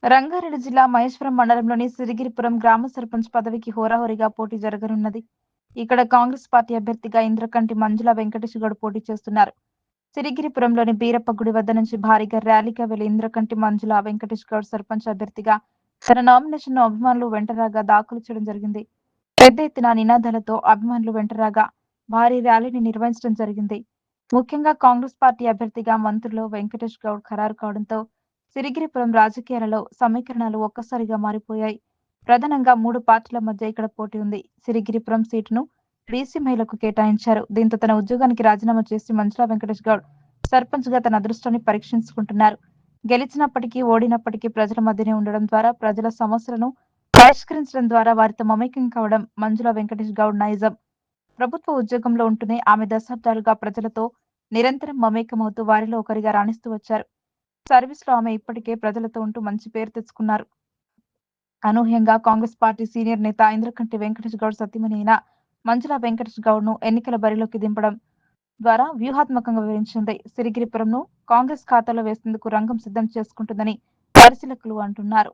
రంగారెడ్డి జిల్లా మహేశ్వరం మండలంలోని సిరిగిరిపురం గ్రామ సర్పంచ్ పదవికి హోరాహోరీగా పోటీ జరగనున్నది. ఇక్కడ కాంగ్రెస్ పార్టీ అభ్యర్థిగా ఇంద్రకంటి మంజుల వెంకటేష్ గౌడ్ పోటీ చేస్తున్నారు. సిరిగిరిపురంలోని బీరప్ప గుడి వద్ద నుంచి భారీగా ర్యాలీగా వెళ్లి ఇంద్రకంటి మంజుల వెంకటేష్ గౌడ్ సర్పంచ్ అభ్యర్థిగా తన నామినేషన్ను అభిమానులు వెంటరాగా దాఖలు చేయడం జరిగింది. పెద్ద ఎత్తున నినాదాలతో అభిమానులు వెంటరాగా భారీ ర్యాలీని నిర్వహించడం జరిగింది. ముఖ్యంగా కాంగ్రెస్ పార్టీ అభ్యర్థిగా మంత్రులు వెంకటేష్ గౌడ్ ఖరారు కావడంతో సిరిగిరిపురం రాజకీయాలలో సమీకరణాలు ఒక్కసారిగా మారిపోయాయి. ప్రధానంగా 3 పార్టీల మధ్య ఇక్కడ పోటీ ఉంది. సిరిగిరిపురం సీటును బీసీ మహిళకు కేటాయించారు. దీంతో తన ఉద్యోగానికి రాజీనామా చేసి మంజుల వెంకటేష్ గౌడ్ సర్పంచ్ గా తన అదృష్టాన్ని పరీక్షించుకుంటున్నారు. గెలిచినప్పటికీ ఓడినప్పటికీ ప్రజల మధ్యనే ఉండడం ద్వారా ప్రజల సమస్యలను పరిష్కరించడం ద్వారా వారితో మమేకం కావడం మంజుల వెంకటేష్ గౌడ్ నైజం. ప్రభుత్వ ఉద్యోగంలో ఉంటూనే ఆమె దశాబ్దాలుగా ప్రజలతో నిరంతరం మమేకమవుతూ వారిలో ఒకరిగా రాణిస్తూ వచ్చారు. సర్వీస్ లో ఆమె ఇప్పటికే ప్రజలతో ఉంటూ మంచి పేరు తెచ్చుకున్నారు. అనూహ్యంగా కాంగ్రెస్ పార్టీ సీనియర్ నేత ఇంద్రకంటి వెంకటేష్ గౌడ్ సతీమణి అయిన మంజుల వెంకటేష్ గౌడ్ ను ఎన్నికల బరిలోకి దింపడం ద్వారా వ్యూహాత్మకంగా వివరించింది. సిరిగిరిపురంను కాంగ్రెస్ ఖాతాలో వేసేందుకు రంగం సిద్ధం చేసుకుంటుందని పరిశీలకులు అంటున్నారు.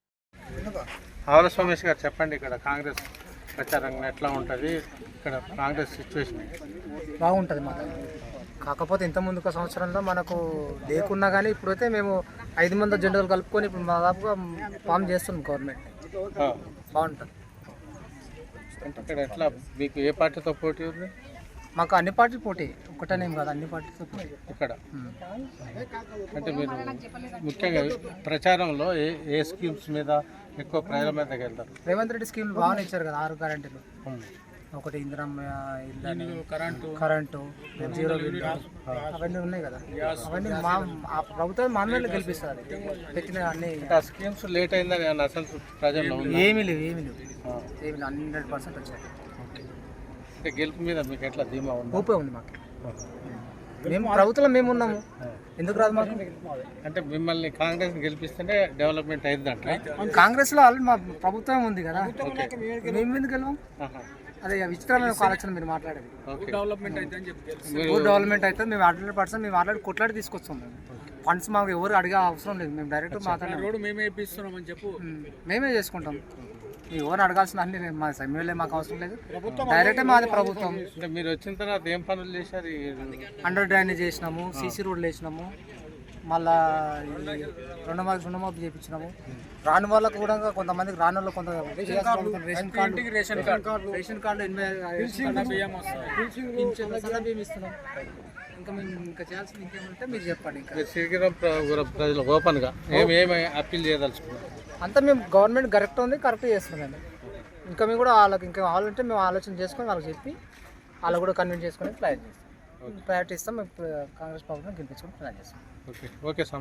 చెప్పండి, ఇక్కడ కాంగ్రెస్ ప్రచారం ఎట్లా ఉంటుంది? ఇక్కడ కాంగ్రెస్ సిచ్యువేషన్ బాగుంటుంది మాకు. కాకపోతే ఇంతకుముందు ఒక సంవత్సరంలో మనకు లేకున్నా కానీ ఇప్పుడైతే మేము 5 మంది జెండాలు కలుపుకొని ఇప్పుడు దాదాపుగా ఫామ్ చేస్తున్నాం. గవర్నమెంట్ బాగుంటుంది. ఇక్కడ ఎట్లా మీకు ఏ పార్టీతో పోటీ ఉంది? మాకు అన్ని పార్టీలు పోటీ, ఒకటేనేం కాదు, అన్ని పార్టీలతో పోటీ ఇక్కడ. అంటే మీరు ముఖ్యంగా ప్రచారంలో ఏ స్కీమ్స్ మీద ఎక్కువ ప్రజల మీదకి వెళ్తారు? రేవంత్ రెడ్డి స్కీమ్లు బాగానే ఇచ్చారు కదా, 6 గ్యారెంటీలు. ఒకటి ఇందిరమ్మ ఇల్లు, కరెంటు, జీరో బిల్, అవన్నీ ఉన్నాయి కదా. అవన్నీ మా ప్రభుత్వం మా మీద గెలిపిస్తారు. పెట్టిన అన్ని స్కీమ్స్ లేట్ అయిందని అసలు ప్రజల్లో ఏమీ లేవు 100% వచ్చాయి. అంటే గెలుపు మీద మీకు ఎట్లా ధీమా ఉంది? ఊపే ఉంది మాకు. మేము ప్రభుత్వంలో మేము ఉన్నాము, ఎందుకు రాదు మాకు? అంటే మిమ్మల్ని కాంగ్రెస్ గెలిపిస్తేనే డెవలప్మెంట్ అయిందంట. కాంగ్రెస్ లో ఆల్రెడీ మా ప్రభుత్వం ఉంది కదా, మేము ఎందుకు వెళ్ళాం? అదే విచిత్రమైన ఒక ఆలోచన మీరు మాట్లాడేది. డెవలప్మెంట్ అయితే మేము 100% మేము మాట్లాడి కొట్లాడి తీసుకొస్తాం. ఫండ్స్ మాకు ఎవరు అడిగే అవసరం లేదు, మేము డైరెక్ట్ మాట్లాడారు. మేమే చేసుకుంటాం. ఎవరు అడగాల్సిన అన్ని మా ఎమ్మెల్యే మాకు అవసరం లేదు, డైరెక్ట్ మాది ప్రభుత్వం. మీరు వచ్చిన తర్వాత ఏం పనులు చేశారు? అండర్ డ్రైనేజ్ చేసినాము, సీసీ రోడ్లు వేసినాము, మళ్ళా రుణమాఫీ చేయించినాము. రాని వాళ్ళకు కూడా కొంతమందికి రాని వాళ్ళు కొంత రేషన్ కార్డు బియ్యం ఇస్తున్నాం. ఇంకా మేము ఇంకా చేయాల్సింది ఇంకేమంటే మీరు చెప్పండి. ప్రజలు ఓపెన్గా ఏమి అప్పీల్ చేయదలుచుకున్నాం? అంతా మేము గవర్నమెంట్ కరెక్ట్ చేస్తున్నామండి. ఇంకా మేము కూడా వాళ్ళకి ఇంకా వాళ్ళంటే మేము ఆలోచన చేసుకొని వాళ్ళకి చెప్పి వాళ్ళు కూడా కన్విన్స్ చేసుకొని ప్లాన్ చేస్తాం. ప్రయారిటీ ఇస్తాం. మేము కాంగ్రెస్ ప్రభుత్వం గెలిపించుకొని ప్లాన్ చేస్తాం. ఓకే.